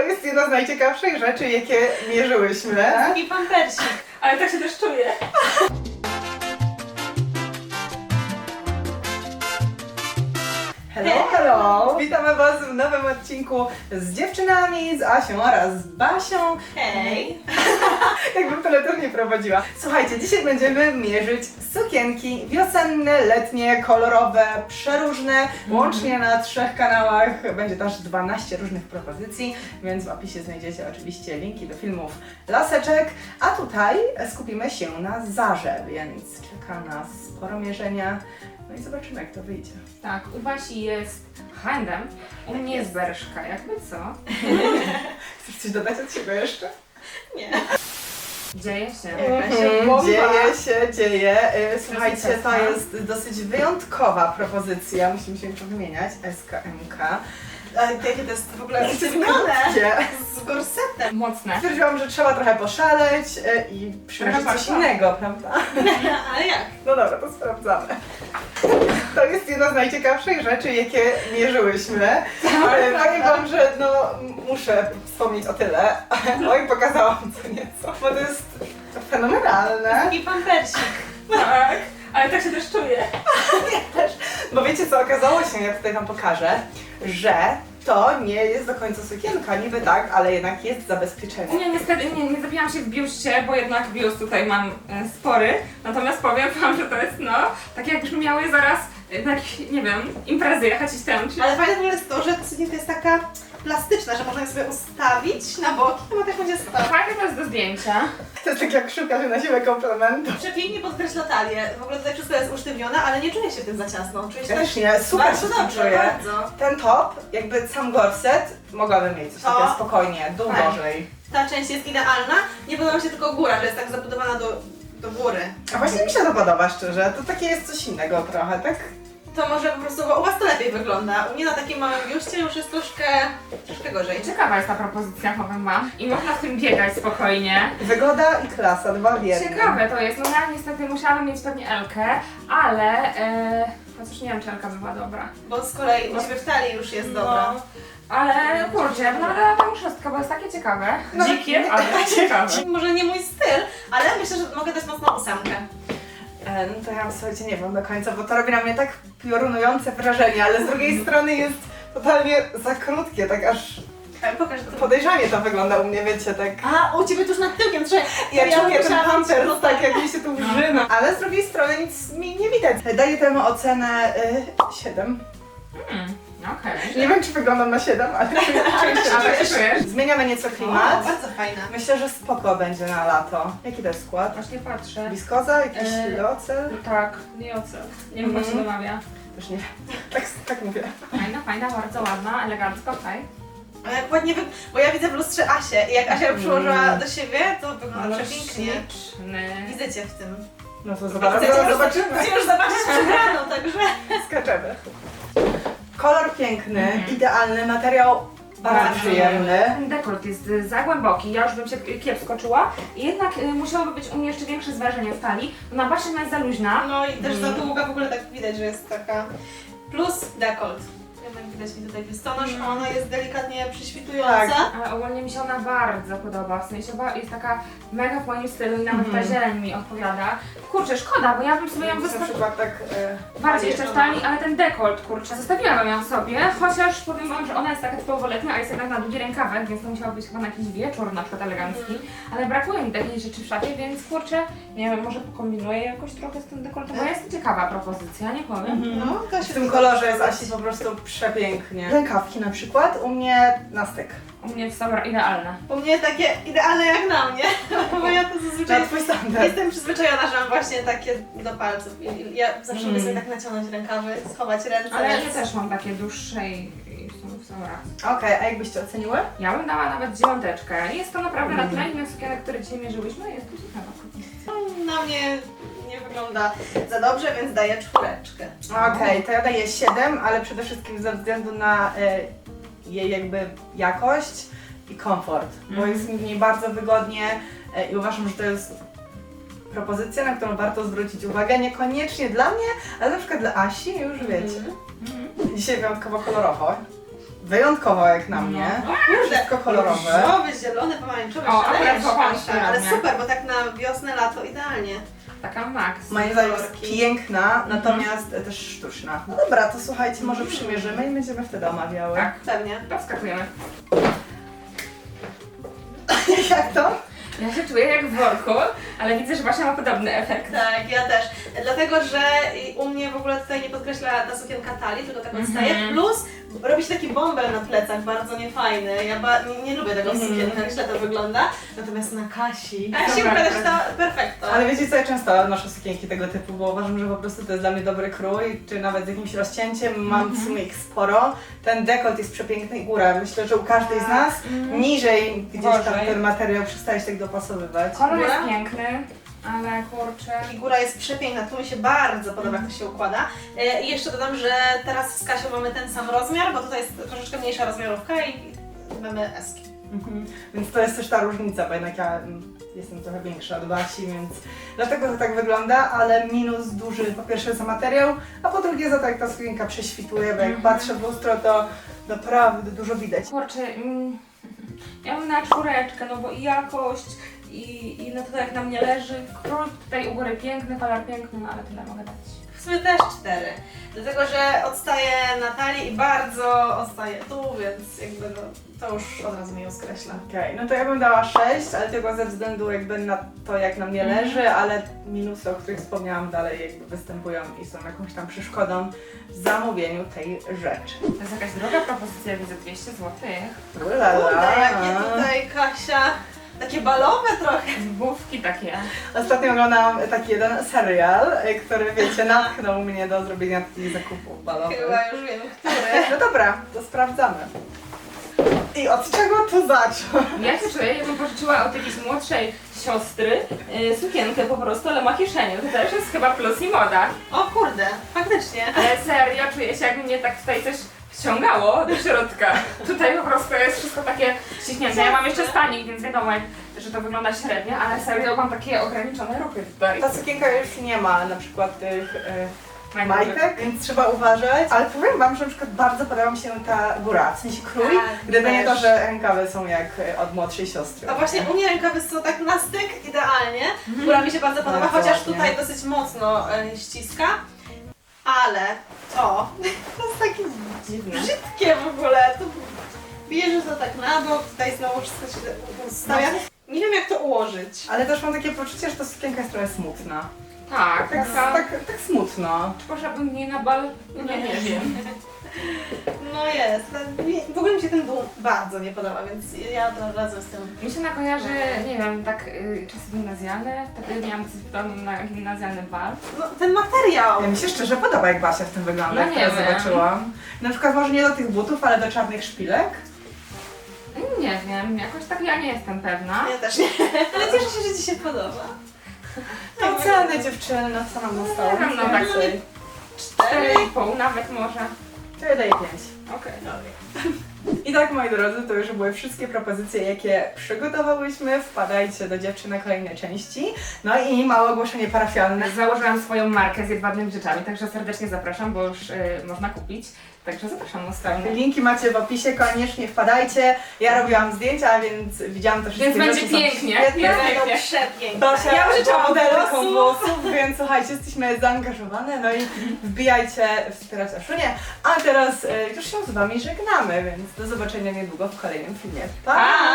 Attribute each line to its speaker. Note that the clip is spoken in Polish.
Speaker 1: jest jedna z najciekawszych rzeczy, jakie mierzyłyśmy.
Speaker 2: I pampersik.
Speaker 3: Ale tak się też czuję.
Speaker 1: Hello, hello! Witamy Was w nowym odcinku z dziewczynami, z Asią oraz z Basią.
Speaker 2: Hej!
Speaker 1: Jakbym teleturniej nie prowadziła. Słuchajcie, dzisiaj będziemy mierzyć sukienki wiosenne, letnie, kolorowe, przeróżne. Łącznie na 3 kanałach będzie też 12 różnych propozycji, więc w opisie znajdziecie oczywiście linki do filmów laseczek. A tutaj skupimy się na Zarze, więc czeka nas sporo mierzenia. No i zobaczymy, jak to wyjdzie.
Speaker 3: Tak, u Basi jest handem, u mnie jest Berszka, jakby co?
Speaker 1: Chcesz coś dodać od siebie jeszcze?
Speaker 2: Nie.
Speaker 3: Dzieje się.
Speaker 1: Dzieje. Słuchajcie, to
Speaker 3: Ciasna.
Speaker 1: jest dosyć wyjątkowa propozycja. Musimy się powymieniać. SKMK.
Speaker 2: Jakie to jest w ogóle sztywnione z gorsetem.
Speaker 3: Mocne.
Speaker 1: Stwierdziłam, że trzeba trochę poszaleć i przymierzyć
Speaker 3: Trochę
Speaker 1: coś
Speaker 3: warto.
Speaker 1: innego, prawda?
Speaker 2: Ale jak?
Speaker 1: No dobra, to sprawdzamy. To jest jedna z najciekawszych rzeczy, jakie mierzyłyśmy. Ale powiem Wam, że no muszę wspomnieć o tyle. Oj, pokazałam co nieco, bo to jest fenomenalne.
Speaker 2: I pampersik.
Speaker 3: Tak, ale tak się też czuję.
Speaker 1: Bo wiecie co, okazało się, jak tutaj Wam pokażę, że to nie jest do końca sukienka, niby tak, ale jednak jest zabezpieczenie.
Speaker 3: Nie, niestety nie zabiłam się w biuście, bo jednak biust tutaj mam spory. Natomiast powiem Wam, że to jest tak jakbyśmy miały zaraz na jakieś, nie wiem, imprezy jechać i tęczyć.
Speaker 2: Ale fajne w ogóle jest to, że sukienka jest taka plastyczna, że można ją sobie ustawić na boki, to tak będzie stać.
Speaker 3: Fajne to jest do zdjęcia.
Speaker 1: To jest tak jak szukasz na siebie komplementu.
Speaker 2: Przepięknie podkreśla talię. W ogóle tutaj wszystko jest usztywnione, ale nie czuję się tym za ciasno. Czuję się
Speaker 1: Też nie, super
Speaker 2: bardzo
Speaker 1: się z tym
Speaker 2: dobrze,
Speaker 1: czuję.
Speaker 2: bardzo.
Speaker 1: Ten top, jakby sam gorset, mogłabym mieć coś takiego
Speaker 2: O.
Speaker 1: spokojnie, dłużej.
Speaker 2: Ta część jest idealna. Nie podoba mi się tylko góra, że jest tak zabudowana do góry.
Speaker 1: A właśnie mi się to podoba szczerze, to takie jest coś innego trochę, tak?
Speaker 2: To może po prostu, bo u Was to lepiej wygląda. U mnie na takim małym biuście już jest troszkę gorzej.
Speaker 3: Ciekawa jest ta propozycja, powiem Wam. I można w tym biegać spokojnie.
Speaker 1: Wygoda i klasa, dwa w jednym.
Speaker 3: Ciekawe to jest, no ja niestety musiałabym mieć pewnie Elkę, ale chociaż nie wiem, czy Elka by była dobra.
Speaker 2: Bo z kolei u Ciebie w talii już jest dobra.
Speaker 3: No, ale kurczę, no ale tą szóstkę, bo jest takie ciekawe.
Speaker 1: No,
Speaker 3: Dzikie, ale ciekawe.
Speaker 2: Może nie mój styl, ale myślę, że mogę dać mocną 8.
Speaker 1: No to ja słuchajcie, nie wiem do końca, bo to robi na mnie tak piorunujące wrażenie, ale z drugiej strony jest totalnie za krótkie, tak aż
Speaker 2: Pokaż to.
Speaker 1: podejrzanie to wygląda u mnie, wiecie, tak.
Speaker 2: A, u Ciebie tuż nad tyłkiem, trzeba...
Speaker 1: Ja czuję ten
Speaker 2: musiałam mieć
Speaker 1: pampers,
Speaker 2: plus-
Speaker 1: tak jak mi się tu wrzyna. Ale z drugiej strony nic mi nie widać. Daję temu ocenę 7.
Speaker 3: Okej.
Speaker 1: Nie wiem, czy wyglądam na 7, ale czuję
Speaker 3: Ale
Speaker 1: się.
Speaker 3: czujesz?
Speaker 1: Zmieniamy nieco
Speaker 2: O,
Speaker 1: klimat.
Speaker 2: bardzo fajna.
Speaker 1: Myślę, że spoko będzie na lato. Jaki to jest skład?
Speaker 3: Właśnie patrzę.
Speaker 1: Wiskoza? Jakiś ocel?
Speaker 3: Tak, nie ocel. Nie wiem, jak się wymawia.
Speaker 1: Też nie. Tak mówię.
Speaker 3: Fajna, bardzo ładna, elegancko, okej.
Speaker 2: A jak ładnie bo ja widzę w lustrze Asię i jak Asia ją przyłożyła do siebie, to wygląda przepięknie.
Speaker 3: Śliczny.
Speaker 2: Widzę Cię w tym.
Speaker 1: No to
Speaker 2: Chcecie
Speaker 1: zaraz
Speaker 2: już-
Speaker 1: zobaczymy.
Speaker 2: Chcę już zobaczyć przegraną, także...
Speaker 1: Skaczemy. Kolor piękny, idealny, materiał bardzo przyjemny.
Speaker 3: Ten dekolt jest za głęboki, ja już bym się kiepsko czuła. I jednak musiałoby być u mnie jeszcze większe zwężenie w talii. Na basie ona jest za luźna.
Speaker 2: No i też za długa w ogóle tak widać, że jest taka... Plus dekolt. Jednak widać mi tutaj biustonosz, a ona jest delikatnie przyświtująca.
Speaker 1: Tak.
Speaker 3: Ale ogólnie mi się ona bardzo podoba, w sensie jest taka mega w moim stylu i nawet ta zieleń mi odpowiada. Kurczę, szkoda, bo ja bym sobie ją
Speaker 1: Na
Speaker 3: zostawiła
Speaker 1: przykład tak...
Speaker 3: bardziej jeszcze w talii, ale ten dekolt, kurczę, zostawiłabym ją sobie, chociaż powiem Wam, że ona jest taka typowo letnia, a jest jednak na długi rękawek, więc to musiało być chyba na jakiś wieczór na przykład elegancki, ale brakuje mi takiej rzeczy w szafie, więc kurczę, nie wiem, może pokombinuję jakoś trochę z tym dekoltem, bo jest ciekawa propozycja, nie powiem.
Speaker 2: No, to się
Speaker 1: W tym kolorze jest Asi po prostu przepięknie. Rękawki na przykład, u mnie na styk.
Speaker 3: U mnie są idealne.
Speaker 2: U mnie takie idealne jak na mnie, bo ja to zazwyczaj
Speaker 1: Na twój standard.
Speaker 2: jestem przyzwyczajona, że mam właśnie takie do palców. I ja zawsze lubię sobie tak naciągnąć rękawy, schować ręce.
Speaker 3: Ale ja
Speaker 2: więc-
Speaker 3: też mam takie dłuższe i są raz.
Speaker 1: Okej, a jakbyście oceniły?
Speaker 3: Ja bym dała nawet 9. Jest to naprawdę na tle innych sukienek, które dzisiaj mierzyłyśmy, jest to ciekawa propozycja.
Speaker 2: Na mnie nie wygląda za dobrze, więc daję 4.
Speaker 1: Okej, to ja daję 7, ale przede wszystkim ze względu na jej jakby jakość i komfort, bo jest mi w niej bardzo wygodnie i uważam, że to jest propozycja, na którą warto zwrócić uwagę, niekoniecznie dla mnie, ale na przykład dla Asi, już wiecie. Dzisiaj wyjątkowo kolorowo. wyjątkowo jak na mnie. Wszystko kolorowe.
Speaker 2: Różowy, zielony, pomarańczowy,
Speaker 3: O,
Speaker 2: szaleje
Speaker 3: akurat złapałam
Speaker 2: Kasia,
Speaker 3: się
Speaker 2: ale
Speaker 3: na
Speaker 2: super, bo tak na wiosnę, lato idealnie.
Speaker 3: Taka max.
Speaker 1: Moim zdaniem jest
Speaker 2: kolorki.
Speaker 1: piękna, natomiast też sztuczna. No dobra, to słuchajcie, może przymierzymy i będziemy wtedy omawiały.
Speaker 3: Tak,
Speaker 2: Pewnie.
Speaker 3: to wskakujemy.
Speaker 1: Jak to?
Speaker 3: Ja się czuję jak w worku, ale widzę, że Basia ma podobny efekt.
Speaker 2: Tak, ja też. Dlatego, że u mnie w ogóle tutaj nie podkreśla ta sukienka talii, tylko tak odstaje. Plus robi się taki bąbel na plecach, bardzo niefajny. Ja nie lubię tego w sukienkach, źle to wygląda. Natomiast na Kasi
Speaker 3: Super,
Speaker 2: układa się to perfekto.
Speaker 1: Ale wiecie co, ja często noszę sukienki tego typu, bo uważam, że po prostu to jest dla mnie dobry krój, czy nawet z jakimś rozcięciem, mam w sumie ich sporo. Ten dekolt jest przepiękny i góra. Myślę, że u każdej z nas niżej gdzieś tam
Speaker 3: Gorzej.
Speaker 1: ten materiał przestaje się tak dopasowywać.
Speaker 3: Kolor jest
Speaker 2: Góra?
Speaker 3: piękny, ale kurczę.
Speaker 2: Figura jest przepiękna, tu mi się bardzo podoba, jak to się układa. I jeszcze dodam, że teraz z Kasią mamy ten sam rozmiar, bo tutaj jest troszeczkę mniejsza rozmiarówka i mamy eski.
Speaker 1: Więc to jest też ta różnica, bo jednak ja jestem trochę większa od Basi, więc dlatego to tak wygląda, ale minus duży po pierwsze za materiał, a po drugie za to jak ta sukienka prześwituje, bo jak patrzę w lustro, to naprawdę dużo widać.
Speaker 3: Kurczę, ja bym na 4, no bo i jakość, i no to jak na mnie leży. Król tutaj u góry piękny, kolor piękny, no ale tyle mogę dać.
Speaker 2: W sumie też 4, dlatego że odstaje na talii i bardzo odstaje tu, więc jakby no, to już od razu mnie ją skreśla.
Speaker 1: Okej, no to ja bym dała 6, ale tylko ze względu jakby na to jak na mnie leży, ale minusy, o których wspomniałam dalej jakby występują i są jakąś tam przeszkodą w zamówieniu tej rzeczy.
Speaker 3: To jest jakaś droga propozycja, widzę 200 zł.
Speaker 1: Ulala.
Speaker 2: Kurde, jakie tutaj Kasia, takie balowe trochę.
Speaker 3: Zbówki takie.
Speaker 1: Ostatnio oglądałam taki jeden serial, który wiecie, natchnął mnie do zrobienia takich zakupów balowych.
Speaker 2: Chyba już wiem, który.
Speaker 1: No dobra, to sprawdzamy. I od czego tu zacząć?
Speaker 3: Ja się czuję, jakbym pożyczyła od jakiejś młodszej siostry sukienkę po prostu, ale ma kieszenie. To też jest chyba plus i moda.
Speaker 2: O kurde, faktycznie.
Speaker 3: Ale serio, czuję się jakby mnie tak tutaj coś wciągało do środka. Tutaj po prostu jest wszystko takie ściśnięte. Ja mam jeszcze stanik, więc wiadomo, że to wygląda średnio, ale serio mam takie ograniczone ruchy tutaj.
Speaker 1: Ta sukienka już nie ma na przykład tych
Speaker 3: Majtek.
Speaker 1: majtek, więc trzeba uważać. Ale powiem wam, że na przykład bardzo podoba mi się ta góra, w sensie krój,
Speaker 2: Tak,
Speaker 1: gdyby nie to,
Speaker 2: też.
Speaker 1: że rękawy są jak od młodszej siostry.
Speaker 2: A właśnie u mnie rękawy są tak na styk idealnie, która mi się bardzo podoba,
Speaker 1: Bardzo
Speaker 2: chociaż
Speaker 1: ładnie.
Speaker 2: tutaj dosyć mocno ściska. Ale to jest takie
Speaker 3: Dziwne.
Speaker 2: brzydkie w ogóle. To bierzesz to tak na bok, tutaj znowu wszystko się ustawia. Nie wiem jak to ułożyć.
Speaker 1: Ale też mam takie poczucie, że ta sukienka jest trochę smutna.
Speaker 3: Tak,
Speaker 1: Tak,
Speaker 3: taka...
Speaker 1: tak smutno.
Speaker 3: Czy poszłabym nie na bal? Nie wiem.
Speaker 2: No jest. W ogóle mi się ten dół bardzo nie podoba, więc ja od razu jestem.
Speaker 3: Mi się nakojarzy, nie wiem, tak czasy gimnazjalne. Tak miałam coś podobnego na gimnazjalny bal.
Speaker 2: No ten materiał!
Speaker 1: Ja mi się szczerze podoba, jak Basia w tym wygląda,
Speaker 3: No
Speaker 1: jak
Speaker 3: nie
Speaker 1: teraz
Speaker 3: wiem.
Speaker 1: zobaczyłam. Na przykład może nie do tych butów, ale do czarnych szpilek.
Speaker 3: Nie wiem, jakoś tak ja nie jestem pewna.
Speaker 2: Ja też nie. Ale cieszę się, że Ci się podoba.
Speaker 1: No oceny dziewczyny, no co nam zostało?
Speaker 3: Nie wiem, no tak
Speaker 1: Więcej.
Speaker 3: 4,5 nawet może.
Speaker 1: To ja daję 5.
Speaker 3: Okej.
Speaker 1: I tak, moi drodzy, to już były wszystkie propozycje, jakie przygotowałyśmy. Wpadajcie do dziewczyn na kolejne części. No i małe ogłoszenie parafialne.
Speaker 3: Założyłam swoją markę z jedwabnymi rzeczami, także serdecznie zapraszam, bo już można kupić. Także zapraszam na stronę.
Speaker 1: Linki macie w opisie, koniecznie wpadajcie. Ja robiłam zdjęcia, więc widziałam to wszystkie
Speaker 3: Więc będzie
Speaker 1: rzeczy są
Speaker 3: pięknie.
Speaker 1: świetne.
Speaker 3: Jest
Speaker 2: Będą
Speaker 3: pięknie.
Speaker 2: przepiękne.
Speaker 1: Basia
Speaker 2: Ja użyczam
Speaker 1: modelką
Speaker 2: włosów.
Speaker 1: włosów, więc słuchajcie, jesteśmy zaangażowane, no i wbijajcie wspierać Aszunię. A teraz już się z Wami żegnamy, więc do zobaczenia niedługo w kolejnym filmie. Pa!
Speaker 3: Pa!